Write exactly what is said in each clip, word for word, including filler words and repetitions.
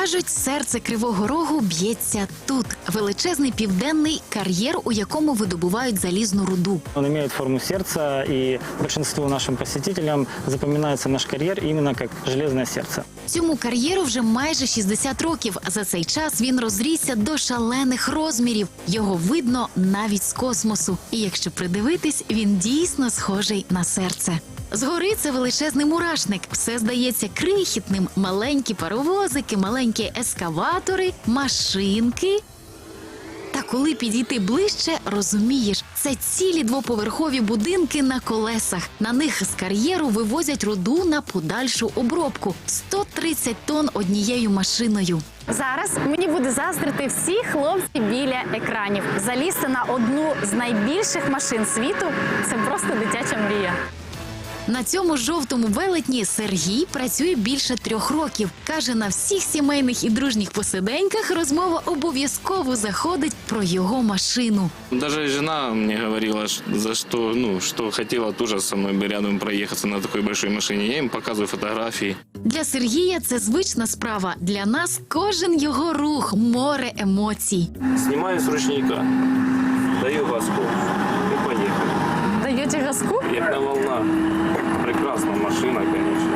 Кажуть, серце Кривого Рогу б'ється тут. Величезний південний кар'єр, у якому видобувають залізну руду. Он имеет форму сердца, и большинству нашим посетителям запоминается наш карьер именно как железное сердце. Цьому кар'єру вже майже шістдесят років. За цей час він розрісся до шалених розмірів. Його видно навіть з космосу. І якщо придивитись, він дійсно схожий на серце. Згори це величезний мурашник. Все здається крихітним. Маленькі паровозики, маленькі ескаватори, машинки. Та коли підійти ближче, розумієш, це цілі двоповерхові будинки на колесах. На них з кар'єру вивозять руду на подальшу обробку. сто тридцять тонн однією машиною. Зараз мені буде заздрити всі хлопці біля екранів. Залізти на одну з найбільших машин світу – це просто дитяча мрія. На цьому жовтому велетні Сергій працює більше трьох років. Каже, на всіх сімейних і дружніх посиденьках розмова обов'язково заходить про його машину. Даже жена мне говорила, ш- за что, ну, что хотела тоже со мной бы рядом проехаться на такой большой машине. Я им показываю фотографии. Для Сергія це звична справа. Для нас кожен його рух – море емоцій. Снимаю с ручника, даю газку и поехали. Даєте газку? Як на волнах. Прекрасная машина, конечно.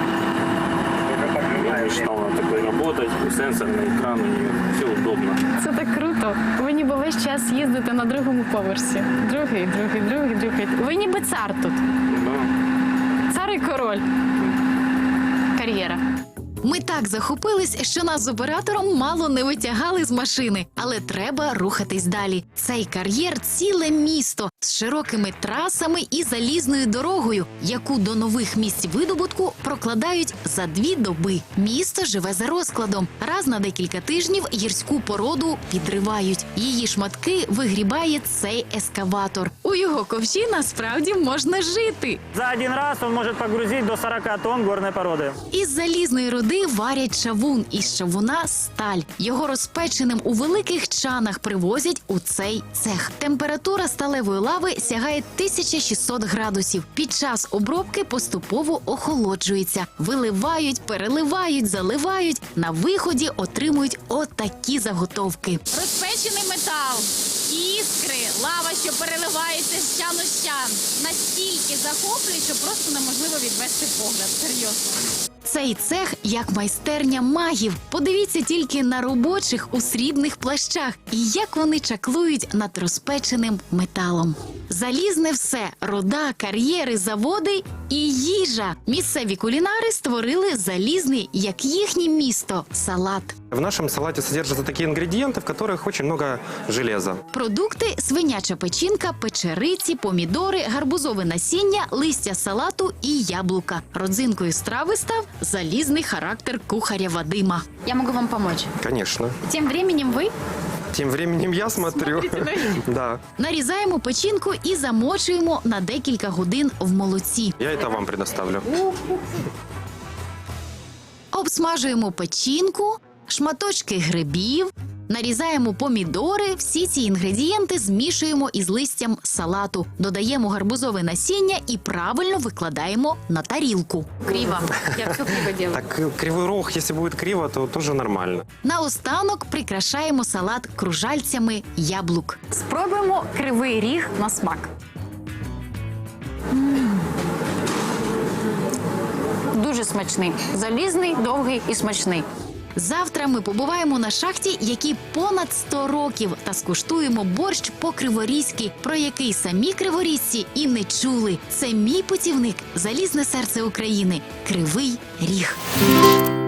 Я мечтал на такой работать, сенсорный экран у нее, все удобно. Це так круто. Ви ніби весь час їздите на другому поверсі. Другий, другий, другий, другий. Ви ніби цар тут. Да. Цар і король. Кар'єра. Ми так захопились, що нас з оператором мало не витягали з машини. Але треба рухатись далі. Цей кар'єр – ціле місто з широкими трасами і залізною дорогою, яку до нових місць видобутку прокладають за дві доби. Місто живе за розкладом. Раз на декілька тижнів гірську породу підривають. Її шматки вигрібає цей ескаватор. У його ковші насправді можна жити. За один раз он может погрузить до сорока тонн горной породы. Із залізної руди варять чавун, із чавуна – сталь. Його розпеченим у великих чанах привозять у цей цех. Температура сталевої лави сягає тисяча шістсот градусів. Під час обробки поступово охолоджується. Виливають, переливають, заливають. На виході отримують отакі заготовки. Розпечений метал, іскри, лава, що переливається з чану в чан. Настільки захоплює, що просто неможливо відвести погляд. Серйозно. Цей цех як майстерня магів. Подивіться тільки на робочих у срібних плащах і як вони чаклують над розпеченим металом. Залізне все – руда, кар'єри, заводи і їжа. Місцеві кулінари створили залізний, як їхнє місто – салат. В нашем салате содержатся такие ингредиенты, в которых очень много железа. Продукти – свиняча печінка, печериці, помідори, гарбузове насіння, листя салату і яблука. Родзинкою страви став залізний характер кухаря Вадима. Я можу вам допомогти. Конечно. Тим временем ви Тем временем я смотрю. Да. Нарізаємо печінку і замочуємо на декілька годин в молоці. Я это вам предоставлю. Обсмажуємо печінку, шматочки грибів, нарізаємо помідори. Всі ці інгредієнти змішуємо із листям салату. Додаємо гарбузове насіння і правильно викладаємо на тарілку. криво. Я все криво роблю. Так э, кривой рог, если будет криво, то тоже нормально. Наостанок прикрашаємо салат кружальцями яблук. Спробуємо кривий ріг на смак. Дуже смачний. Залізний, довгий і смачний. Завтра ми побуваємо на шахті, якій понад сто років, та скуштуємо борщ по-криворізьки, про який самі криворізці і не чули. Це мій путівник, залізне серце України, Кривий Ріг.